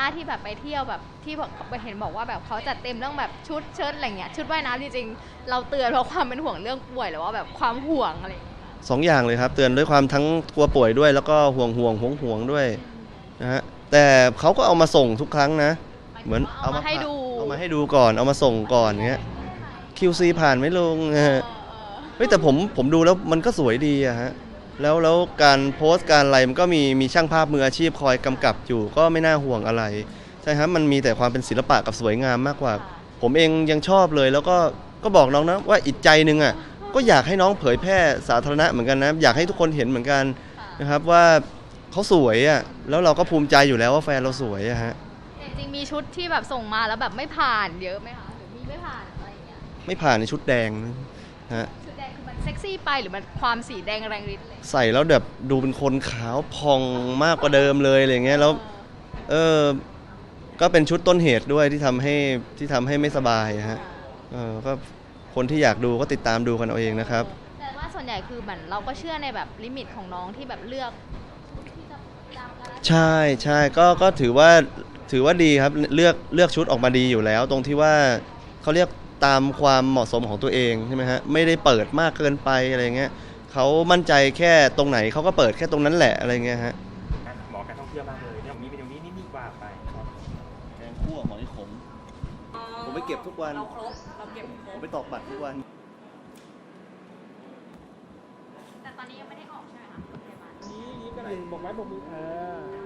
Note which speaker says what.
Speaker 1: น้าที่แบบไปเที่ยวแบบที่เห็นบอกว่าแบบเขาจัดเต็มเรื่องแบบชุดเชิ้ตอะไรเงี้ยชุดว่ายน้ำจริงๆเราเตือนเพราะความเป็นห่วงเรื่องป่วยหรือว่าแบบความห่วงอะไร
Speaker 2: สองอย่างเลยครับเตือนด้วยความทั้งกลัวป่วยด้วยแล้วก็ห่วงด้วยนะฮะแต่เขาก็เอามาส่งทุกครั้งนะเหมือน
Speaker 1: เอามาให้ดู
Speaker 2: ก่อนเอามาส่งก่อนเงี้ย QC ผ่านไหมลุงเฮ้ยแต่ผมดูแล้วมันก็สวยดีอะฮะแล้วการโพสต์การอะไรมันก็มีช่างภาพมืออาชีพคอยกำกับอยู่ก็ไม่น่าห่วงอะไรใช่ครับมันมีแต่ความเป็นศิลปะกับสวยงามมากกว่าผมเองยังชอบเลยแล้วก็บอกน้องนะว่าอีกใจนึงอ่ะก็อยากให้น้องเผยแพร่สาธารณะเหมือนกันนะอยากให้ทุกคนเห็นเหมือนกันนะครับว่าเขาสวยอ่ะแล้วเราก็ภูมิใจอยู่แล้วว่าแฟนเราสวยอะฮะ
Speaker 1: จริงๆมีชุดที่แบบส่งมาแล้วแบบไม่ผ่านเยอะไหมคะหรือมีไม่ผ่านอะไรอย่างเงี้ย
Speaker 2: ไม่ผ่านในชุดแดงนะฮะ
Speaker 1: ชุดแดงคือมันเซ็กซี่ไปหรือมันความสีแดงแรงฤทธิ์เลย
Speaker 2: ใส่แล้วแบบดูเป็นคนขาวพองมากกว่าเดิมเลยอะไรเงี้ยแล้วก็เป็นชุดต้นเหตุด้วยที่ทำให้ไม่สบายฮะก็คนที่อยากดูก็ติดตามดูกันเอาเองนะครับ
Speaker 1: แต่ว่าส่วนใหญ่คือเหมือนเราก็เชื่อในแบบลิมิตของน้องที่แบบเลือกที่จะตามกัน
Speaker 2: ใช่ก็ถือว่าดีครับเลือกชุดออกมาดีอยู่แล้วตรงที่ว่าเขาเรียกตามความเหมาะสมของตัวเองใช่ไหมฮะไม่ได้เปิดมากเกินไปอะไรเงี้ยเขามั่นใจแค่ตรงไหนเขาก็เปิดแค่ตรงนั้นแหละอะไรเงี้ยฮะ
Speaker 3: หมอการท่องเที่ยวมากเลยเนี่ยมีเมนูนี้นี่ว่าไป
Speaker 2: แกงคั่วหอยขมผมไปเก็บทุกวัน
Speaker 1: เราครบเราเก็บคร
Speaker 2: ผม
Speaker 1: บ
Speaker 2: ไปตอกบัตรทุกวัน
Speaker 1: แต่ตอนนี้ยังไม่ได้ออกใช่ไหมคะโรงพยาบาล
Speaker 3: นี่ยิ้มกันหนึ่งบอกไว้บอกมือ